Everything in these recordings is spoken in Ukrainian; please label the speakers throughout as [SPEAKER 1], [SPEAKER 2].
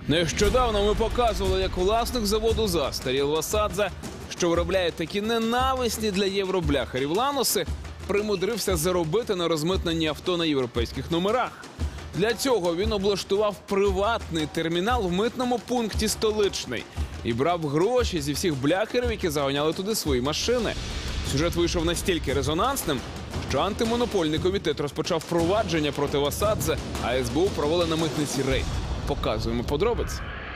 [SPEAKER 1] Нещодавно ми показували, як власник заводу «Застаріл» Васадзе, що виробляє такі ненависні для євробляхерів ланоси, примудрився заробити на розмитненні авто на європейських номерах. Для цього він облаштував приватний термінал в митному пункті «Столичний» і брав гроші зі всіх бляхерів, які заганяли туди свої машини. Сюжет вийшов настільки резонансним, що антимонопольний комітет розпочав провадження проти Васадзе, а СБУ провели на митниці рейд. Показуємо подробиці.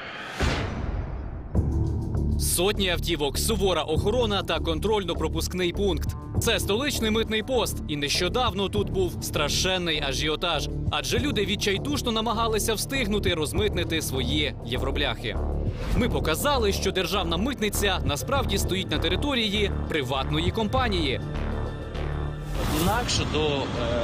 [SPEAKER 2] Сотні автівок, сувора охорона та контрольно-пропускний пункт. Це столичний митний пост. І нещодавно тут був страшенний ажіотаж. Адже люди відчайдушно намагалися встигнути розмитнити свої євробляхи. Ми показали, що державна митниця насправді стоїть на території приватної компанії.
[SPEAKER 3] Інакше до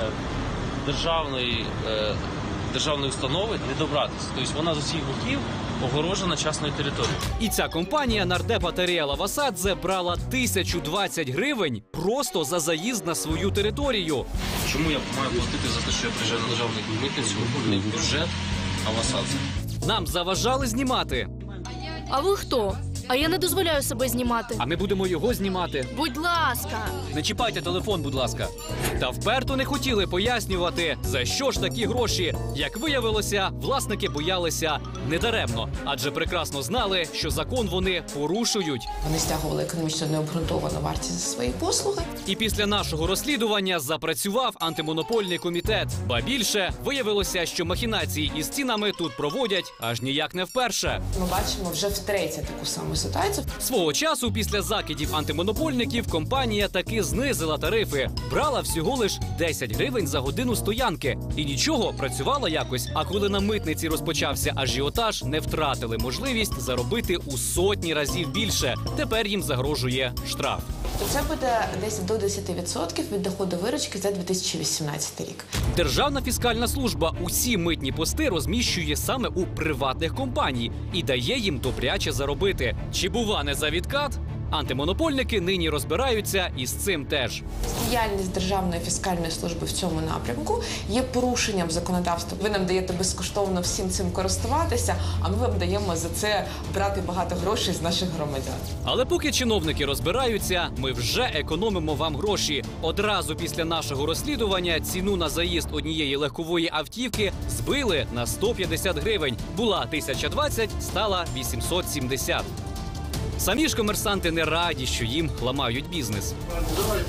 [SPEAKER 3] державної установи не добратися. Тобто вона з усіх боків огорожена частною територією.
[SPEAKER 2] І ця компанія нардепа Таріела Васадзе брала 1020 гривень просто за заїзд на свою територію.
[SPEAKER 3] Чому я маю платити за те, що я приїжджаю на державну митницю, не в бюджет, а в Васадзе?
[SPEAKER 2] Нам заважали знімати.
[SPEAKER 4] А ви хто? А я не дозволяю себе знімати.
[SPEAKER 2] А ми будемо його знімати.
[SPEAKER 4] Будь ласка.
[SPEAKER 2] Не чіпайте телефон, будь ласка. Та вперто не хотіли пояснювати, за що ж такі гроші. Як виявилося, власники боялися недаремно, адже прекрасно знали, що закон вони порушують.
[SPEAKER 5] Вони стягували економічно необґрунтовану вартість за свої послуги.
[SPEAKER 2] І після нашого розслідування запрацював антимонопольний комітет. Ба більше, виявилося, що махінації із цінами тут проводять аж ніяк не вперше.
[SPEAKER 5] Ми бачимо вже втретє таку саму ситуацію.
[SPEAKER 2] Свого часу, після закидів антимонопольників, компанія таки знизила тарифи. Брала всього лиш 10 гривень за годину стоянки. І нічого, працювала якось. А коли на митниці розпочався ажіотаж, не втратили можливість заробити у сотні разів більше. Тепер їм загрожує штраф.
[SPEAKER 5] То це буде десь до 10% від доходу виручки за 2018 рік.
[SPEAKER 2] Державна фіскальна служба усі митні пости розміщує саме у приватних компаній і дає їм добряче заробити. Чи бува не за відкат? Антимонопольники нині розбираються і з цим теж.
[SPEAKER 5] Діяльність Державної фіскальної служби в цьому напрямку є порушенням законодавства. Ви нам даєте безкоштовно всім цим користуватися, а ми вам даємо за це брати багато грошей з наших громадян.
[SPEAKER 2] Але поки чиновники розбираються, ми вже економимо вам гроші. Одразу після нашого розслідування ціну на заїзд однієї легкової автівки збили на 150 гривень. Була 1020, стала 870. Самі ж комерсанти не раді, що їм ламають бізнес.
[SPEAKER 6] Давайте,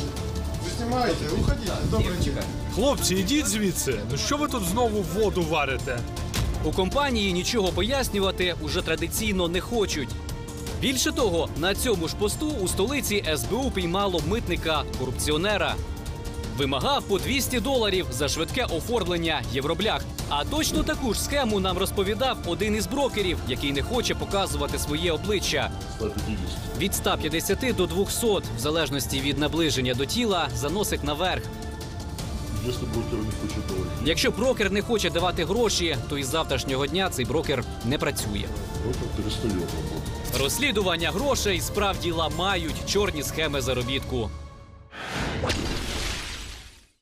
[SPEAKER 6] ви знімаєте, уходіть, добре.
[SPEAKER 7] Хлопці, ідіть звідси. Ну що ви тут знову воду варите?
[SPEAKER 2] У компанії нічого пояснювати уже традиційно не хочуть. Більше того, на цьому ж посту у столиці СБУ піймало митника-корупціонера. Вимагав по $200 за швидке оформлення євроблях. А точно таку ж схему нам розповідав один із брокерів, який не хоче показувати своє обличчя. Від 150 до 200, в залежності від наближення до тіла, заносить наверх. Якщо брокер не хоче давати гроші, то із завтрашнього дня цей брокер не працює. Розслідування грошей справді ламають чорні схеми заробітку.